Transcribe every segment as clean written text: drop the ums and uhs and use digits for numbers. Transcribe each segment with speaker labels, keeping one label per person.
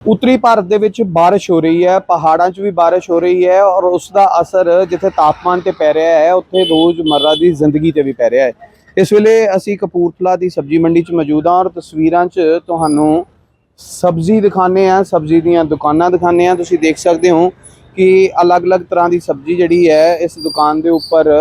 Speaker 1: उत्तरी भारत ਦੇ ਵਿੱਚ ਬਾਰਿਸ਼ ਹੋ ਰਹੀ ਹੈ, ਪਹਾੜਾਂ 'ਚ ਵੀ ਬਾਰਿਸ਼ ਹੋ ਰਹੀ ਹੈ ਔਰ ਉਸ ਦਾ ਅਸਰ ਜਿੱਥੇ ਤਾਪਮਾਨ ਤੇ ਪੈ ਰਿਹਾ ਹੈ ਉੱਥੇ ਰੋਜ਼ਮर्रा ਦੀ ਜ਼ਿੰਦਗੀ ਤੇ ਵੀ ਪੈ ਰਿਹਾ ਹੈ। ਇਸ ਵੇਲੇ ਅਸੀਂ ਕਪੂਰਥਲਾ ਦੀ ਸਬਜ਼ੀ ਮੰਡੀ 'ਚ ਮੌਜੂਦ ਹਾਂ ਔਰ ਤਸਵੀਰਾਂ 'ਚ ਤੁਹਾਨੂੰ ਸਬਜ਼ੀ ਦਿਖਾਣੇ ਆ, ਸਬਜ਼ੀ ਦੀਆਂ ਦੁਕਾਨਾਂ ਦਿਖਾਣੇ ਆ। ਤੁਸੀਂ ਦੇਖ ਸਕਦੇ ਹੋ कि अलग-अलग तरह की सब्जी जिहड़ी है इस दुकान के उपर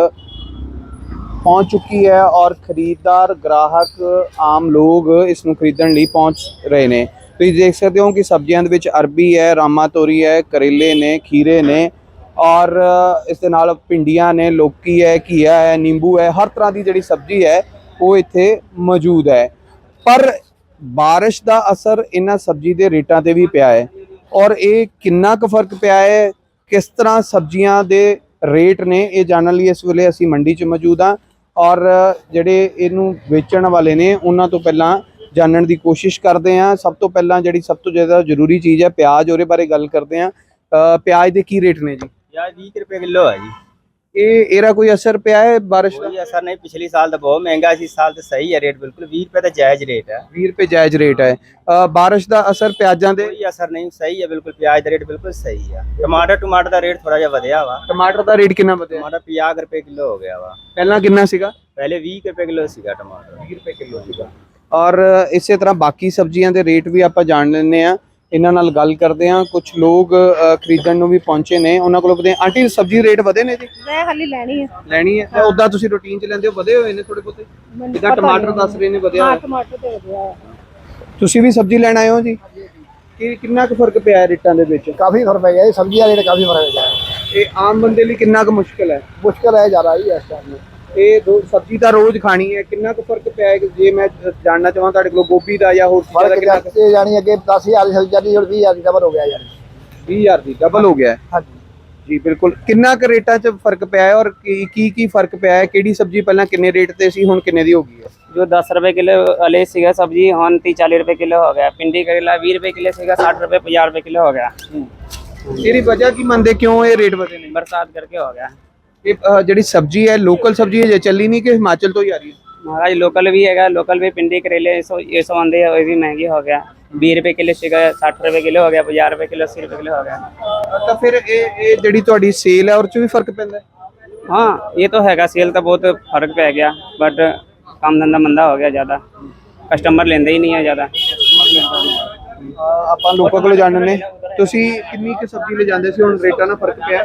Speaker 1: पहुँच चुकी है और खरीददार ग्राहक आम लोग इसनूं खरीदण लई पहुँच रहे ने। तुसीं देख सकते हो कि सब्जियां दे विच अरबी है, रामा तोरी है, करेले ने, खीरे ने और इस दे नाल भिंडियां ने, लौकी है, घीया है, नींबू है। हर तरह की जिहड़ी सब्जी है वो इत्थे मौजूद है। पर बारिश का असर इन्हां सब्जी के रेटां ते भी पिया है और ये किन्ना क फर्क पिया है, किस तरह सब्जियां दे रेट ने, ये जानने लिए इस वेले असी मंडी च मौजूद हाँ और जिहड़े इनू वेचण वाले ने उन्हां तो पहलां जानने की कोशिश करते हैं। सब तो पहलां जिहड़ी सब तो ज़्यादा जरूरी चीज़ है प्याज, उहदे बारे गल करते हैं। प्याज के की रेट ने जी?
Speaker 2: प्याज 20 रुपए किलो है जी।
Speaker 1: ਇਹਦਾ ਕੋਈ असर ਪਿਆ है बारिश का?
Speaker 2: कोई असर नहीं, पिछली साल तो बहुत महंगा, इस साल तो सही है रेट, बिल्कुल 20 रुपए तो जायज रेट है।
Speaker 1: 20 रुपए जायज रेट है। बारिश का असर प्याजां दे?
Speaker 2: कोई असर नहीं, सही है बिल्कुल, प्याज का रेट बिल्कुल सही है। टमाटर का रेट थोड़ा जिहा वधिया वा।
Speaker 1: टमाटर का रेट कितना वधिया?
Speaker 2: टमाटर 50 रुपए किलो हो गया वा।
Speaker 1: पहला कितना सीगा?
Speaker 2: पहले 20 रुपए किलो सीगा टमाटर।
Speaker 1: 20 रुपए किलो सीगा। और इसे तरह बाकी सब्जियां दे रेट भी आपां जान लैंदे आ, इन्हां नाल गल करदे आ। कुछ लोग खरीदण नूं भी पहुंचे ने, उन्हां कोलों पुछदे आंटी सब्जी रेट वधे ने जी?
Speaker 3: मैं हाली लैनी है
Speaker 1: ते उदां तुसीं रूटीन च लैंदे हो, वधे होए ने थोड़े बहुते? जिद्दां टमाटर दस रहे ने वधिया
Speaker 3: हाँ टमाटर ते वधिया है।
Speaker 1: तुसीं भी सब्जी लैण आए हो जी? कि किन्ना क फर्क पिया है रेटां दे विच?
Speaker 4: काफी फर्क पै गया, सब्जी का रेट काफी फर्क पै गया।
Speaker 1: ये आम बंदे लिए किन्ना क मुश्किल है?
Speaker 4: मुश्किल है ज्यादा ही इस टाइम में।
Speaker 1: ये दो सब्जी तो रोज खानी है, किन्ना क फर्क पिया है? जे मैं जानना चाहां तुहाडे कोल गोभी दा या होर चीज़ां दा किन्ना क?
Speaker 4: फर्क यानी अगे 10,000 सब्जी जाती और 20,000 डबल हो गया यार।
Speaker 1: 20,000 दी डबल हो गया है।
Speaker 4: हाँ जी
Speaker 1: जी बिल्कुल। किन्ना क रेटां च फर्क पिया है और की फर्क पिया है? किहड़ी सब्जी पहलां किन्ने रेट ते सी, हुण किन्ने दी हो गई है?
Speaker 5: जो 10 रुपए किलो वाले सीगा सब्जी हुण 30-40 रुपए किलो हो गया। भिंडी करेला 20 रुपए किलो सीगा 60 रुपए 50 रुपए किलो हो गया।
Speaker 1: ਇਹਦੀ वजह की मनदे क्यों ये रेट ਵਧੇ ਨੇ?
Speaker 5: बरसात करके हो गया।
Speaker 1: ਇਹ ਜਿਹੜੀ सब्जी है लोकल सब्जी है, ਚੱਲੀ नहीं कि हिमाचल तो ही आ रही है?
Speaker 5: महाराज लोकल भी है, लोकल भी भिंडी करेले ये सौ आंदे है, भी महंगी हो गया। 20 रुपए किलो सीगा 60 रुपए किलो हो गया, 50 रुपए किलो 80 रुपए किलो हो गया।
Speaker 1: ਤਾਂ ਫਿਰ ਇਹ ਜਿਹੜੀ ਤੁਹਾਡੀ ਸੇਲ ਹੈ ਉਹ 'ਚ ਵੀ ਫਰਕ ਪੈਂਦਾ ਹੈ?
Speaker 5: हाँ ये तो हैगा, सेल तो बहुत फर्क पै गया, बट काम धंधा मंदा हो गया, ज़्यादा कस्टमर लेंदे ही नहीं है ज़्यादा।
Speaker 1: ਆਪਾਂ ਲੋਕਾਂ ਕੋਲ ਜਾਣਨ ਨੇ। ਤੁਸੀਂ ਕਿੰਨੀ ਕੁ ਸਬਜ਼ੀ ਲੈ ਜਾਂਦੇ ਸੀ, ਹੁਣ ਰੇਟਾਂ ਨਾਲ ਫਰਕ ਪਿਆ?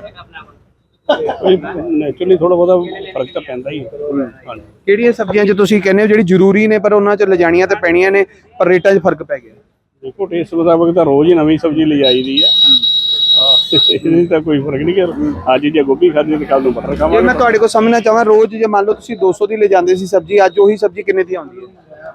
Speaker 6: ਨੈਚੁਰਲੀ ਥੋੜਾ ਬਹੁਤਾ ਫਰਕ ਤਾਂ ਪੈਂਦਾ ਹੀ ਹੈ।
Speaker 1: ਕਿਹੜੀਆਂ ਸਬਜ਼ੀਆਂ 'ਚ ਤੁਸੀਂ ਕਹਿੰਦੇ ਹੋ ਜਿਹੜੀ ਜ਼ਰੂਰੀ ਨੇ ਪਰ ਉਹਨਾਂ 'ਚ ਲਿਜਾਣੀਆਂ ਤੇ ਪੈਣੀਆਂ ਨੇ ਪਰ ਰੇਟਾਂ 'ਚ ਫਰਕ ਪੈ ਗਿਆ?
Speaker 6: ਦੇਖੋ ਟੇਸਟ ਮੁਤਾਬਕ ਤਾਂ ਰੋਜ਼ ਹੀ ਨਵੀਂ ਸਬਜ਼ੀ ਲਿਜਾਈ ਦੀ ਆ। ਇਹਦੀ ਤਾਂ ਕੋਈ ਫਰਕ ਨਹੀਂ ਕਿ ਅੱਜ ਜੇ ਗੋਭੀ ਖਾਧੀ ਤੇ ਕੱਲ ਨੂੰ ਮਟਰ
Speaker 1: ਜੇ
Speaker 6: ਖਾਵਾਂਗੇ।
Speaker 1: ਮੈਂ ਤੁਹਾਡੇ ਕੋਲ ਸਮਝਣਾ ਚਾਹਾਂ, ਰੋਜ਼ ਜੇ ਮੰਨ ਲਓ ਤੁਸੀਂ 200 ਦੀ ਲੈ ਜਾਂਦੇ ਸੀ ਸਬਜ਼ੀ, ਅੱਜ ਉਹੀ ਸਬਜ਼ੀ ਕਿੰਨੇ ਦੀ ਆਉਂਦੀ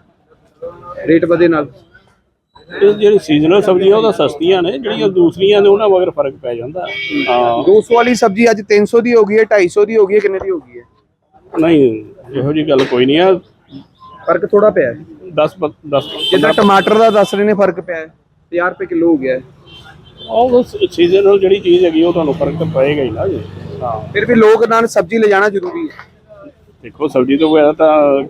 Speaker 1: ਹੈ ਰੇਟ ਵਧੇ ਨਾਲ?
Speaker 6: ਇਹ ਜਿਹੜੀ ਸੀਜ਼ਨਲ ਸਬਜ਼ੀਆਂ ਉਹ ਤਾਂ ਸਸਤੀਆਂ ਨੇ, ਜਿਹੜੀਆਂ ਦੂਸਰੀਆਂ ਨੇ ਉਹਨਾਂ ਮਗਰ ਫਰਕ ਪੈ ਜਾਂਦਾ। ਹਾਂ
Speaker 1: 200 ਵਾਲੀ ਸਬਜ਼ੀ ਅੱਜ 300 ਦੀ ਹੋ ਗਈ ਹੈ, 250 ਦੀ ਹੋ ਗਈ ਹੈ, ਕਿੰਨੇ ਦੀ ਹੋ ਗਈ ਹੈ?
Speaker 6: ਨਹੀਂ ਇਹੋ ਜਿਹੀ ਗੱਲ ਕੋਈ ਨਹੀਂ ਆ।
Speaker 1: ਫਰਕ ਥੋੜਾ ਪਿਆ ਹੈ।
Speaker 6: 10
Speaker 1: ਜਿੱਦਾਂ ਟਮਾਟਰ ਦਾ ਦੱਸ ਰਹੇ ਨੇ ਫਰਕ ਪਿਆ ਹੈ, 50 ਰੁਪਏ ਕਿਲੋ ਹੋ ਗਿਆ ਹੈ।
Speaker 6: ਉਹ ਸੀਜ਼ਨਲ ਜਿਹੜੀ ਚੀਜ਼ ਹੈਗੀ ਉਹ ਤੁਹਾਨੂੰ ਫਰਕ ਤਾਂ ਪਏਗਾ ਹੀ ਨਾ ਜੀ। ਹਾਂ
Speaker 1: ਫਿਰ ਵੀ ਲੋਕ ਨਾਲ ਸਬਜ਼ੀ ਲੈ ਜਾਣਾ ਜ਼ਰੂਰੀ ਹੈ।
Speaker 6: ਦੇਖੋ ਸਬਜ਼ੀ ਤੋਂ ਬਗੈਰ ਤਾਂ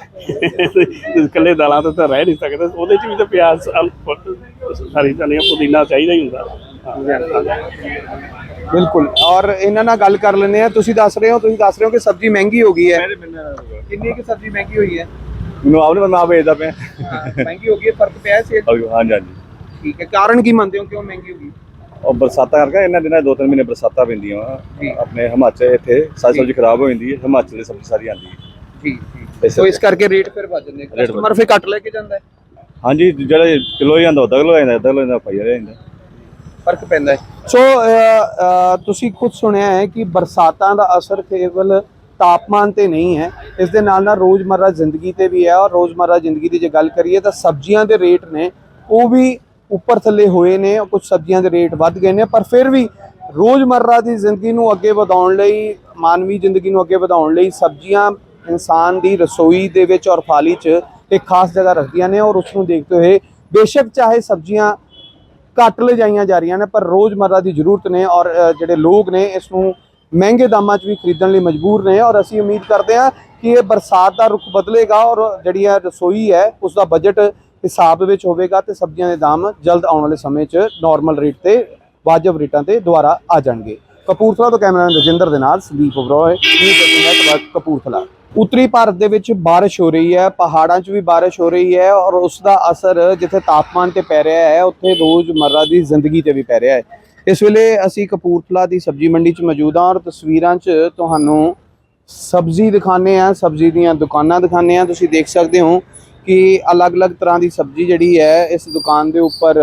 Speaker 6: ਇਕੱਲੇ ਦਾਲਾਂ ਤੋਂ ਤਾਂ ਰਹਿ ਨਹੀਂ ਸਕਦੇ, ਉਹਦੇ 'ਚ ਵੀ ਤਾਂ ਪਿਆਜ਼ ਸਾਰੀ ਧਨੀਆ ਪੁਦੀਨਾ ਚਾਹੀਦਾ ਹੀ ਹੁੰਦਾ।
Speaker 1: ਬਿਲਕੁਲ। ਔਰ ਇਹਨਾਂ ਨਾਲ ਗੱਲ ਕਰ ਲੈਂਦੇ ਆ। ਤੁਸੀਂ ਦੱਸ ਰਹੇ ਹੋ ਕਿ ਸਬਜ਼ੀ ਮਹਿੰਗੀ ਹੋ ਗਈ ਹੈ। ਕਿੰਨੀ ਕਿ ਸਬਜ਼ੀ ਮਹਿੰਗੀ ਹੋਈ ਹੈ?
Speaker 7: ਮੈਨੂੰ ਆਪ ਨਹੀਂ ਪਤਾ, ਵੇਚਦਾ ਪਿਆ।
Speaker 1: ਮਹਿੰਗੀ ਹੋ ਗਈ ਹੈ, ਫਰਕ ਪਿਆ ਹੈ ਸੇਲ?
Speaker 7: ਹਾਂਜੀ ਹਾਂਜੀ
Speaker 1: ਠੀਕ ਹੈ। ਕਾਰਨ ਕੀ ਮੰਨਦੇ ਹੋ ਕਿਉਂ ਮਹਿੰਗੀ ਹੋ ਗਈ?
Speaker 7: ਉਹ ਬਰਸਾਤਾਂ ਕਰਕੇ ਇਹਨਾਂ ਦਿਨਾਂ 2-3 ਮਹੀਨੇ ਬਰਸਾਤਾਂ ਪੈਂਦੀਆਂ ਵਾ ਆਪਣੇ ਹਿਮਾਚਲ। ਇੱਥੇ ਸਾਰੀ ਸਬਜ਼ੀ ਖਰਾਬ ਹੋ ਜਾਂਦੀ ਹੈ, ਹਿਮਾਚਲ ਦੀ ਸਬਜ਼ੀ ਸਾਰੀ ਆਉਂਦੀ ਹੈ।
Speaker 1: ਠੀਕ ਸੋ ਇਸ ਕਰਕੇ ਰੇਟ ਫਿਰ ਵੱਧ ਜਾਂਦੇ, ਕਸਟਮਰ ਫਿਰ ਕੱਟ ਲੈ ਕੇ ਜਾਂਦਾ ਹੈ।
Speaker 7: ਹਾਂਜੀ ਜਿਹੜਾ ਕਿਲੋ ਹੀ ਆਉਂਦਾ ਅੱਧਾ ਕਿਲੋ ਆਉਂਦਾ, ਅੱਧਾ ਕਿਲੋ ਆਉਂਦਾ ਪਾਈਆ ਜਾਂਦਾ,
Speaker 1: ਫਰਕ ਪੈਂਦਾ ਹੈ। ਸੋ ਤੁਸੀਂ ਖੁਦ ਸੁਣਿਆ ਹੈ ਕਿ ਬਰਸਾਤਾਂ ਦਾ ਅਸਰ ਕੇਵਲ ਤਾਪਮਾਨ ਤੇ ਨਹੀਂ ਹੈ, ਇਸ ਦੇ ਨਾਲ ਨਾਲ ਰੋਜ਼ਮर्रा ਜ਼ਿੰਦਗੀ ਤੇ ਵੀ ਹੈ। ਔਰ ਰੋਜ਼ਮर्रा ਜ਼ਿੰਦਗੀ ਦੀ ਜੇ ਗੱਲ ਕਰੀਏ ਤਾਂ ਸਬਜ਼ੀਆਂ ਦੇ ਰੇਟ ਨੇ ਉਹ ਵੀ ਉੱਪਰ ਥੱਲੇ ਹੋਏ ਨੇ, ਕੁਝ ਸਬਜ਼ੀਆਂ ਦੇ ਰੇਟ ਵੱਧ ਗਏ ਨੇ, ਪਰ ਫਿਰ ਵੀ ਰੋਜ਼ਮर्रा ਦੀ ਜ਼ਿੰਦਗੀ ਨੂੰ ਅੱਗੇ ਵਧਾਉਣ ਲਈ, ਮਾਨਵੀ ਜ਼ਿੰਦਗੀ ਨੂੰ ਅੱਗੇ ਵਧਾਉਣ ਲਈ ਸਬਜ਼ੀਆਂ ਇਨਸਾਨ ਦੀ ਰਸੋਈ ਦੇ ਵਿੱਚ ਔਰ ਥਾਲੀ 'ਚ ਇੱਕ ਖਾਸ ਜਗ੍ਹਾ ਰੱਖਦੀਆਂ ਨੇ। ਔਰ ਉਸ ਨੂੰ ਦੇਖਦੇ ਹੋਏ ਬੇਸ਼ੱਕ ਚਾਹੇ ਸਬਜ਼ੀਆਂ ਘੱਟ ਲਿਜਾਈਆਂ ਜਾ ਰਹੀਆਂ ਨੇ ਪਰ ਰੋਜ਼ਮर्रा ਦੀ ਜ਼ਰੂਰਤ ਨੇ ਔਰ ਜਿਹੜੇ ਲੋਕ ਨੇ ਇਸ ਨੂੰ ਮਹਿੰਗੇ ਦਾਮਾਂ 'ਚ ਵੀ ਖਰੀਦਣ ਲਈ ਮਜਬੂਰ ਨੇ। ਔਰ ਅਸੀਂ ਉਮੀਦ ਕਰਦੇ ਹਾਂ ਕਿ ਇਹ ਬਰਸਾਤ ਦਾ ਰੁਖ ਬਦਲੇਗਾ ਔਰ ਜਿਹੜੀ ਰਸੋਈ ਹੈ ਉਸ ਦਾ ਬਜਟ ਹਿਸਾਬ ਵਿੱਚ ਹੋਵੇਗਾ ਤੇ ਸਬਜ਼ੀਆਂ ਦੇ ਦਾਮ ਜਲਦ ਆਉਣ ਵਾਲੇ ਸਮੇਂ 'ਚ ਨਾਰਮਲ ਰੇਟ ਤੇ ਵਾਜਬ ਰੇਟਾਂ ਤੇ ਦੁਬਾਰਾ ਆ ਜਾਣਗੇ। ਕਪੂਰਥਲਾ ਤੋਂ ਕੈਮਰਾਮੈਨ ਰਜਿੰਦਰ ਦੇ ਨਾਲ ਸੰਦੀਪ ਉਬਰਾਏ, ਨਿਊਜ਼ 18 ਨੈਟਵਰਕ ਕਪੂਰਥਲਾ। ਉੱਤਰੀ ਭਾਰਤ ਦੇ ਵਿੱਚ ਬਾਰਿਸ਼ ਹੋ ਰਹੀ ਹੈ, ਪਹਾੜਾਂ 'ਚ ਵੀ ਬਾਰਿਸ਼ ਹੋ ਰਹੀ ਹੈ ਔਰ ਉਸ ਦਾ ਅਸਰ ਜਿੱਥੇ ਤਾਪਮਾਨ ਤੇ ਪੈ ਰਿਹਾ ਹੈ ਉੱਥੇ ਰੋਜ਼ਮਰਰਾ ਦੀ ਜ਼ਿੰਦਗੀ ਤੇ ਵੀ ਪੈ ਰਿਹਾ ਹੈ। ਇਸ ਵੇਲੇ ਅਸੀਂ ਕਪੂਰਥਲਾ ਦੀ ਸਬਜ਼ੀ ਮੰਡੀ 'ਚ ਮੌਜੂਦ ਹਾਂ ਔਰ ਤਸਵੀਰਾਂ 'ਚ ਤੁਹਾਨੂੰ ਸਬਜ਼ੀ ਦਿਖਾਉਂਦੇ ਹਾਂ, ਸਬਜ਼ੀ ਦੀਆਂ ਦੁਕਾਨਾਂ ਦਿਖਾਉਂਦੇ ਹਾਂ। ਤੁਸੀਂ ਦੇਖ ਸਕਦੇ ਹੋ ਕਿ ਅਲੱਗ-ਅਲੱਗ ਤਰ੍ਹਾਂ ਦੀ ਸਬਜ਼ੀ ਜਿਹੜੀ ਹੈ ਇਸ ਦੁਕਾਨ ਦੇ ਉੱਪਰ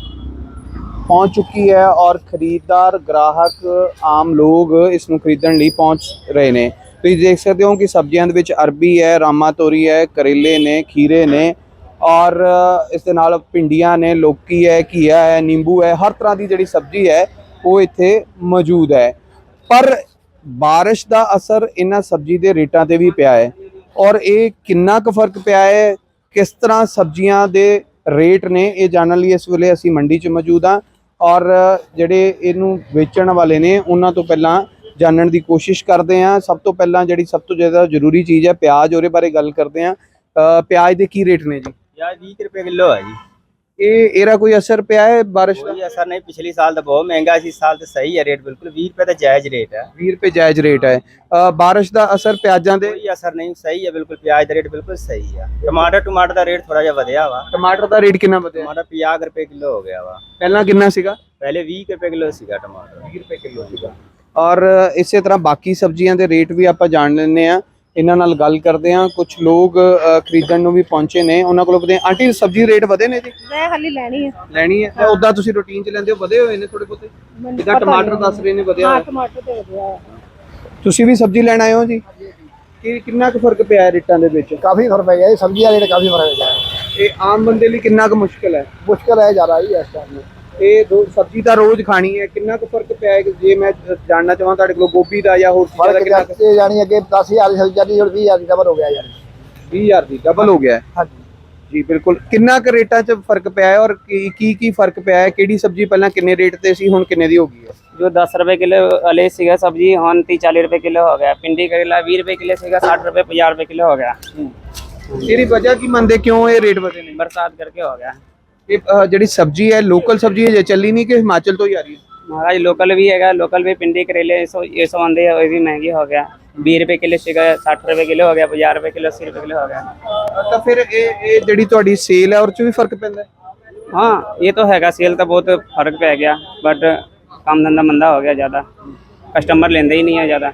Speaker 1: ਪਹੁੰਚ ਚੁੱਕੀ ਹੈ ਔਰ ਖਰੀਦਦਾਰ, ਗ੍ਰਾਹਕ, ਆਮ ਲੋਕ ਇਸ ਨੂੰ ਖਰੀਦਣ ਲਈ ਪਹੁੰਚ ਰਹੇ ਨੇ। ਤੁਸੀਂ ਦੇਖ ਸਕਦੇ ਹੋ ਕਿ ਸਬਜ਼ੀਆਂ ਦੇ ਵਿੱਚ ਅਰਬੀ ਹੈ, ਰਾਮਾ ਤੋਰੀ ਹੈ, ਕਰੇਲੇ ਨੇ, ਖੀਰੇ ਨੇ ਔਰ ਇਸ ਦੇ ਨਾਲ ਭਿੰਡੀਆਂ ਨੇ, ਲੌਕੀ ਹੈ, ਘੀਆ ਹੈ, ਨਿੰਬੂ ਹੈ। ਹਰ ਤਰ੍ਹਾਂ ਦੀ ਜਿਹੜੀ ਸਬਜ਼ੀ ਹੈ ਉਹ ਇੱਥੇ ਮੌਜੂਦ ਹੈ। ਪਰ ਬਾਰਿਸ਼ ਦਾ ਅਸਰ ਇਹਨਾਂ ਸਬਜ਼ੀ ਦੇ ਰੇਟਾਂ ਤੇ ਵੀ ਪਿਆ ਹੈ ਔਰ ਇਹ ਕਿੰਨਾ ਕੁ ਫਰਕ ਪਿਆ ਹੈ, ਕਿਸ ਤਰ੍ਹਾਂ ਸਬਜ਼ੀਆਂ ਦੇ ਰੇਟ ਨੇ, ਇਹ ਜਾਣਨ ਲਈ ਇਸ ਵੇਲੇ ਅਸੀਂ ਮੰਡੀ 'ਚ ਮੌਜੂਦ ਹਾਂ ਔਰ ਜਿਹੜੇ ਇਹਨੂੰ ਵੇਚਣ ਵਾਲੇ ਨੇ ਉਹਨਾਂ ਤੋਂ ਪਹਿਲਾਂ ਜਾਣਨ ਦੀ ਕੋਸ਼ਿਸ਼ ਕਰਦੇ ਹਾਂ। ਸਭ ਤੋਂ ਪਹਿਲਾਂ ਜਿਹੜੀ ਸਭ ਤੋਂ ਜ਼ਿਆਦਾ ਜ਼ਰੂਰੀ ਚੀਜ਼ ਹੈ ਪਿਆਜ਼, ਉਹਦੇ ਬਾਰੇ ਗੱਲ ਕਰਦੇ ਹਾਂ। ਪਿਆਜ਼ ਦੇ ਕੀ ਰੇਟ ਨੇ ਜੀ?
Speaker 2: प्याज 20 रुपए किलो है जी।
Speaker 1: ਇਹਦਾ ਕੋਈ ਅਸਰ ਪਿਆ ਹੈ ਬਾਰਿਸ਼ ਦਾ?
Speaker 2: कोई असर नहीं, पिछली साल तो बहुत महंगा सी, इस साल तो सही है रेट, बिल्कुल 20 रुपए तो जायज रेट है।
Speaker 1: 20 रुपए जायज रेट है। बारिश का असर प्याजां दे?
Speaker 2: कोई असर नहीं, सही है बिल्कुल, प्याज का रेट बिल्कुल सही है। टमाटर का रेट थोड़ा जिहा ਵਧਿਆ ਵਾ।
Speaker 1: टमाटर का रेट कितना ਵਧਿਆ?
Speaker 2: टमाटर 50 रुपए किलो हो गया वा।
Speaker 1: ਪਹਿਲਾਂ ਕਿੰਨਾ ਸੀਗਾ?
Speaker 2: पहले 20 रुपए किलो ਸੀਗਾ टमाटर।
Speaker 1: 20 रुपए किलो ਸੀਗਾ। ਔਰ ਇਸੇ ਤਰ੍ਹਾਂ ਬਾਕੀ ਸਬਜ਼ੀਆਂ ਦੇ ਰੇਟ ਵੀ ਆਪਾਂ ਜਾਣ ਲੈਂਦੇ ਆ, ਇਹਨਾਂ ਨਾਲ ਗੱਲ ਕਰਦੇ ਆ। ਕੁਝ ਲੋਕ ਖਰੀਦਣ ਨੂੰ ਵੀ ਪਹੁੰਚੇ ਨੇ, ਉਹਨਾਂ ਕੋਲੋਂ ਪੁੱਛਦੇ ਆ, ਆਂਟੀ ਸਬਜ਼ੀ ਰੇਟ ਵਧੇ ਨੇ ਜੀ?
Speaker 3: ਮੈਂ ਹਾਲੀ ਲੈਣੀ ਹੈ।
Speaker 1: ਲੈਣੀ ਹੈ? ਉਦਾਂ ਤੁਸੀਂ ਰੂਟੀਨ 'ਚ ਲੈਂਦੇ ਹੋ, ਵਧੇ ਹੋਏ ਨੇ ਥੋੜੇ ਬਹੁਤੇ? ਜਿੱਦਾਂ ਟਮਾਟਰ ਦੱਸ ਰਹੇ ਨੇ ਵਧਿਆ
Speaker 3: ਹਾਂ
Speaker 1: ਹੋਇਆ।
Speaker 3: ਟਮਾਟਰ ਤੇ ਵਧਿਆ।
Speaker 1: ਤੁਸੀਂ ਵੀ ਸਬਜ਼ੀ ਲੈਣ ਆਏ ਹੋ ਜੀ? ਕਿੰਨਾ ਕੁ ਫਰਕ ਪਿਆ ਹੈ ਰੇਟਾਂ ਦੇ ਵਿੱਚ?
Speaker 4: काफी फर्क पड़ गया है, सब्जी का रेट काफी फर्क पड़ गया है।
Speaker 1: ਇਹ ਆਮ ਬੰਦੇ ਲਈ ਕਿੰਨਾ ਕੁ ਮੁਸ਼ਕਿਲ ਹੈ?
Speaker 4: मुश्किल है ज्यादा ही है इस टाइम में।
Speaker 1: ਇਹ ਦੋ ਸਬਜ਼ੀ ਤਾਂ ਰੋਜ਼ ਖਾਣੀ ਹੈ, ਕਿੰਨਾ ਕੁ ਫਰਕ ਪਿਆ ਹੈ? ਜੇ ਮੈਂ ਜਾਣਨਾ ਚਾਹਾਂ ਤੁਹਾਡੇ ਕੋਲ ਗੋਭੀ ਦਾ ਜਾਂ ਹੋਰ ਚੀਜ਼ਾਂ ਦਾ ਕਿੰਨਾ ਕੁ?
Speaker 4: फर्क यानी अगे 10,000 की सब्जी जाती है और 20,000 की डबल हो गया यानी।
Speaker 1: 20,000 ਦੀ ਡਬਲ ਹੋ ਗਿਆ ਹੈ।
Speaker 4: हाँ जी।
Speaker 1: ਜੀ ਬਿਲਕੁਲ। ਕਿੰਨਾ ਕੁ ਰੇਟਾਂ 'ਚ ਫਰਕ ਪਿਆ ਹੈ ਔਰ ਕੀ ਫਰਕ ਪਿਆ ਹੈ? ਕਿਹੜੀ ਸਬਜ਼ੀ ਪਹਿਲਾਂ ਕਿੰਨੇ ਰੇਟ ਤੇ ਸੀ, ਹੁਣ ਕਿੰਨੇ ਦੀ ਹੋ ਗਈ ਹੈ?
Speaker 5: जो 10 रुपए किलो वाले सीगा सब्जी हम 30-40 रुपए किलो हो गया। भिंडी करेला 20 रुपए किलो सीगा 60 रुपए 50 रुपए किलो हो गया।
Speaker 1: ਇਹਦੀ ਵਜ੍ਹਾ ਕੀ ਮੰਨਦੇ, ਕਿਉਂ ਇਹ ਰੇਟ ਵਧੇ ਨੇ?
Speaker 5: बरसात करके हो गया।
Speaker 1: ਇਹ ਜਿਹੜੀ ਸਬਜ਼ੀ ਹੈ ਲੋਕਲ ਸਬਜ਼ੀ ਹੈ, ਜੇ ਚੱਲੀ ਨਹੀਂ ਕਿ ਹਿਮਾਚਲ ਤੋਂ ਹੀ ਆ ਰਹੀ ਹੈ?
Speaker 5: महाराज लोकल भी है, लोकल भी भिंडी करेले ये सौ आंदे वो भी महंगी हो गया। 20 रुपए किलो सीगा 60 रुपए किलो हो गया, 50 रुपए किलो 80 रुपए किलो हो गया।
Speaker 1: ਤਾਂ ਫਿਰ ਇਹ ਜਿਹੜੀ ਤੁਹਾਡੀ ਸੇਲ ਹੈ ਉਹ 'ਚ ਵੀ ਫਰਕ ਪੈਂਦਾ ਹੈ?
Speaker 5: हाँ ये तो हैगा, सेल तो बहुत फर्क पै गया, बट काम धंधा मंदा हो गया, ज़्यादा कस्टमर लेंदे ही नहीं है ज़्यादा।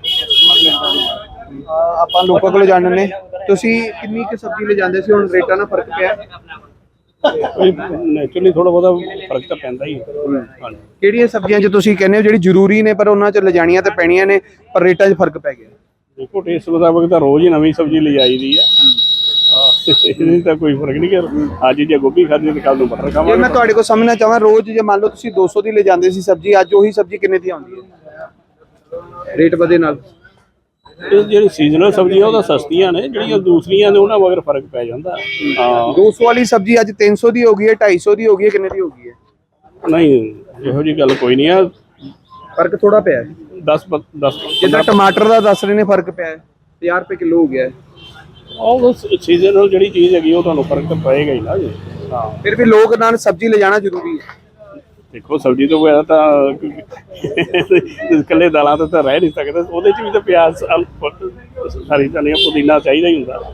Speaker 1: ਆਪਾਂ ਲੋਕਾਂ ਕੋਲ ਜਾਣਨ ਨੇ। ਤੁਸੀਂ ਕਿੰਨੀ ਕੁ ਸਬਜ਼ੀ ਲੈ ਜਾਂਦੇ ਸੀ, ਹੁਣ ਰੇਟਾਂ ਨਾਲ ਫਰਕ ਪਿਆ?
Speaker 6: ਨੈਚੁਰਲੀ ਥੋੜਾ ਬਹੁਤਾ ਫਰਕ ਤਾਂ ਪੈਂਦਾ ਹੀ ਹੈ। ਹਾਂਜੀ।
Speaker 1: ਕਿਹੜੀਆਂ ਸਬਜ਼ੀਆਂ 'ਚ ਤੁਸੀਂ ਕਹਿੰਦੇ ਹੋ ਜਿਹੜੀ ਜ਼ਰੂਰੀ ਨੇ ਪਰ ਉਹਨਾਂ 'ਚ ਲਿਜਾਣੀਆਂ ਤੇ ਪੈਣੀਆਂ ਨੇ ਪਰ ਰੇਟਾਂ 'ਚ ਫਰਕ ਪੈ ਗਿਆ?
Speaker 6: ਦੇਖੋ ਟੇਸਟ ਮੁਤਾਬਕ ਤਾਂ ਰੋਜ਼ ਹੀ ਨਵੀਂ ਸਬਜ਼ੀ ਲਿਜਾਈ ਦੀ ਹੈ। ਇਹਦੀ ਤਾਂ ਕੋਈ ਫਰਕ ਨਹੀਂ ਕਿ ਅੱਜ ਜੇ ਗੋਭੀ ਖਾਧੀ ਤੇ ਕੱਲ ਨੂੰ ਮਟਰ
Speaker 1: ਜੇ
Speaker 6: ਖਾਵਾਂਗੇ।
Speaker 1: ਮੈਂ ਤੁਹਾਡੇ ਕੋਲ ਸਮਝਣਾ ਚਾਹਾਂ, ਰੋਜ਼ ਜੇ ਮੰਨ ਲਓ ਤੁਸੀਂ 200 ਦੀ ਲੈ ਜਾਂਦੇ ਸੀ ਸਬਜ਼ੀ, ਅੱਜ ਉਹੀ ਸਬਜ਼ੀ ਕਿੰਨੇ ਦੀ ਆਉਂਦੀ ਹੈ ਰੇਟ ਵਧੇ ਨਾਲ?
Speaker 6: ਇਹ ਜਿਹੜੀ ਸੀਜ਼ਨਲ ਸਬਜ਼ੀਆਂ ਉਹ ਤਾਂ ਸਸਤੀਆਂ ਨੇ, ਜਿਹੜੀਆਂ ਦੂਸਰੀਆਂ ਨੇ ਉਹਨਾਂ ਮਗਰ ਫਰਕ ਪੈ ਜਾਂਦਾ। ਹਾਂ
Speaker 1: 200 ਵਾਲੀ ਸਬਜ਼ੀ ਅੱਜ 300 ਦੀ ਹੋ ਗਈ ਹੈ, 250 ਦੀ ਹੋ ਗਈ ਹੈ, ਕਿੰਨੇ ਦੀ ਹੋ ਗਈ ਹੈ?
Speaker 6: ਨਹੀਂ ਇਹੋ ਜੀ ਗੱਲ ਕੋਈ ਨਹੀਂ ਆ।
Speaker 1: ਫਰਕ ਥੋੜਾ ਪਿਆ ਹੈ।
Speaker 6: 10
Speaker 1: ਜਿੱਦਾਂ ਟਮਾਟਰ ਦਾ ਦੱਸ ਰਹੇ ਨੇ ਫਰਕ ਪਿਆ ਹੈ, 50 ਰੁਪਏ ਕਿਲੋ ਹੋ ਗਿਆ ਹੈ।
Speaker 6: ਉਹ ਸੀਜ਼ਨਲ ਜਿਹੜੀ ਚੀਜ਼ ਹੈਗੀ ਉਹ ਤੁਹਾਨੂੰ ਫਰਕ ਤਾਂ ਪਏਗਾ ਹੀ ਨਾ ਜੀ। ਹਾਂ
Speaker 1: ਫਿਰ ਵੀ ਲੋਕ ਨਾਲ ਸਬਜ਼ੀ ਲੈ ਜਾਣਾ ਜ਼ਰੂਰੀ ਹੈ।
Speaker 6: ਦੇਖੋ ਸਬਜ਼ੀ ਤੋਂ ਬਗੈਰ ਤਾਂ ਇਕੱਲੇ ਦਾਲਾਂ ਤੋਂ ਤਾਂ ਰਹਿ ਨਹੀਂ ਸਕਦੇ, ਉਹਦੇ 'ਚ ਵੀ ਤਾਂ ਪਿਆਜ਼, ਹਰੀ ਧਨੀਆ, ਪੁਦੀਨਾ ਚਾਹੀਦਾ ਹੀ ਹੁੰਦਾ।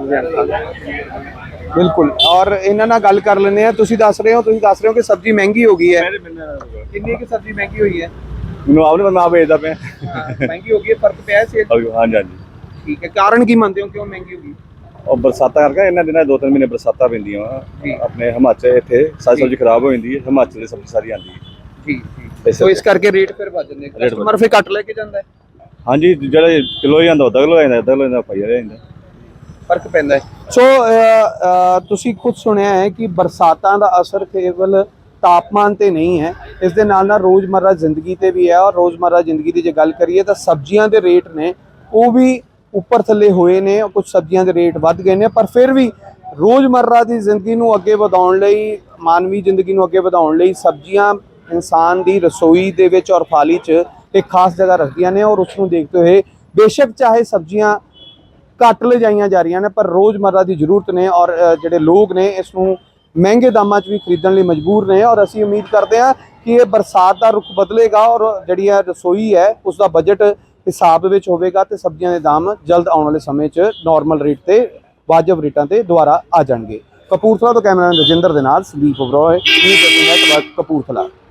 Speaker 1: ਬਿਲਕੁਲ। ਔਰ ਇਹਨਾਂ ਨਾਲ ਗੱਲ ਕਰ ਲੈਂਦੇ ਆ। ਤੁਸੀਂ ਦੱਸ ਰਹੇ ਹੋ ਕਿ ਸਬਜ਼ੀ ਮਹਿੰਗੀ ਹੋ ਗਈ ਹੈ। ਕਿੰਨੀ ਕੁ ਸਬਜ਼ੀ ਮਹਿੰਗੀ ਹੋਈ ਹੈ?
Speaker 7: ਮੈਨੂੰ ਆਪ ਨਹੀਂ ਪਤਾ, ਆਪ ਵੇਚਦਾ ਪਿਆ।
Speaker 1: ਮਹਿੰਗੀ ਹੋ ਗਈ ਹੈ, ਫਰਕ ਪਿਆ ਹੈ ਸੇਲ?
Speaker 7: ਹਾਂਜੀ ਹਾਂਜੀ।
Speaker 1: ਠੀਕ ਹੈ। ਕਾਰਨ ਕੀ ਮੰਨਦੇ ਹੋ ਕਿਉਂ ਮਹਿੰਗੀ ਹੋ ਗਈ?
Speaker 7: ਉਹ ਬਰਸਾਤਾਂ ਕਰਕੇ ਇਹਨਾਂ ਦਿਨਾਂ 2-3 ਮਹੀਨੇ ਬਰਸਾਤਾਂ ਪੈਂਦੀਆਂ ਵਾ ਆਪਣੇ ਹਿਮਾਚਲ, ਇੱਥੇ ਸਾਰੀ ਸਬਜ਼ੀ ਖਰਾਬ ਹੋ ਜਾਂਦੀ ਹੈ, ਹਿਮਾਚਲ ਦੀ ਸਬਜ਼ੀ ਸਾਰੀ ਆਉਂਦੀ ਹੈ।
Speaker 1: ਠੀਕ। ਸੋ ਇਸ ਕਰਕੇ ਰੇਟ ਫਿਰ ਵੱਧ ਜਾਂਦੇ, ਕਸਟਮਰ ਫਿਰ ਘੱਟ ਲੈ ਕੇ ਜਾਂਦਾ ਹੈ।
Speaker 7: ਹਾਂਜੀ, ਜਿਹੜਾ ਕਿਲੋ ਹੀ ਜਾਂਦਾ ਅੱਧਾ ਕਿਲੋ ਜਾਂਦਾ, ਅੱਧਾ ਕਿਲੋ ਜਾਂਦਾ ਪਾਈਆ ਜਾਂਦਾ,
Speaker 1: ਫਰਕ ਪੈਂਦਾ ਹੈ। ਸੋ ਤੁਸੀਂ ਖੁਦ ਸੁਣਿਆ ਹੈ ਕਿ ਬਰਸਾਤਾਂ ਦਾ ਅਸਰ ਕੇਵਲ ਤਾਪਮਾਨ ਤੇ ਨਹੀਂ ਹੈ, ਇਸ ਦੇ ਨਾਲ ਨਾਲ ਰੋਜ਼ਮਰਰਾ ਜ਼ਿੰਦਗੀ ਤੇ ਵੀ ਹੈ। ਔਰ ਰੋਜ਼ਮਰਰਾ ਜ਼ਿੰਦਗੀ ਦੀ ਜੇ ਗੱਲ ਕਰੀਏ ਤਾਂ ਸਬਜ਼ੀਆਂ ਦੇ ਰੇਟ ਨੇ ਉਹ ਵੀ ਉੱਪਰ ਥੱਲੇ ਹੋਏ ਨੇ, ਕੁਝ ਸਬਜ਼ੀਆਂ ਦੇ ਰੇਟ ਵੱਧ ਗਏ ਨੇ, ਪਰ ਫਿਰ ਵੀ ਰੋਜ਼ਮਰਰਾ ਦੀ ਜ਼ਿੰਦਗੀ ਨੂੰ ਅੱਗੇ ਵਧਾਉਣ ਲਈ, ਮਾਨਵੀ ਜ਼ਿੰਦਗੀ ਨੂੰ ਅੱਗੇ ਵਧਾਉਣ ਲਈ ਸਬਜ਼ੀਆਂ ਇਨਸਾਨ ਦੀ ਰਸੋਈ ਦੇ ਵਿੱਚ ਔਰ ਥਾਲੀ 'ਚ ਇੱਕ ਖਾਸ ਜਗ੍ਹਾ ਰੱਖਦੀਆਂ ਨੇ। ਔਰ ਉਸ ਨੂੰ ਦੇਖਦੇ ਹੋਏ ਬੇਸ਼ੱਕ ਚਾਹੇ ਸਬਜ਼ੀਆਂ ਘੱਟ ਲਿਜਾਈਆਂ ਜਾ ਰਹੀਆਂ ਨੇ, ਪਰ ਰੋਜ਼ਮਰਰਾ ਦੀ ਜ਼ਰੂਰਤ ਨੇ ਔਰ ਜਿਹੜੇ ਲੋਕ ਨੇ ਇਸ ਨੂੰ ਮਹਿੰਗੇ ਦਾਮਾਂ 'ਚ ਵੀ ਖਰੀਦਣ ਲਈ ਮਜਬੂਰ ਨੇ। ਔਰ ਅਸੀਂ ਉਮੀਦ ਕਰਦੇ ਹਾਂ ਕਿ ਇਹ ਬਰਸਾਤ ਦਾ ਰੁਖ ਬਦਲੇਗਾ ਔਰ ਜਿਹੜੀ ਇਹ ਰਸੋਈ ਹੈ ਉਸ ਦਾ ਬਜਟ ਹਿਸਾਬ ਵਿੱਚ ਹੋਵੇਗਾ ਤੇ ਸਬਜ਼ੀਆਂ ਦੇ ਦਾਮ ਜਲਦ ਆਉਣ ਵਾਲੇ ਸਮੇਂ 'ਚ ਨਾਰਮਲ ਰੇਟ ਤੇ ਵਾਜਬ ਰੇਟਾਂ ਤੇ ਦੁਬਾਰਾ ਆ ਜਾਣਗੇ। ਕਪੂਰਥਲਾ ਤੋਂ ਕੈਮਰਾਮੈਨ ਰਜਿੰਦਰ ਦੇ ਨਾਲ ਸੰਦੀਪ ਉਬਰਾਏ, ਨਿਊਜ਼ 18 ਨੈਟਵਰਕ ਕਪੂਰਥਲਾ।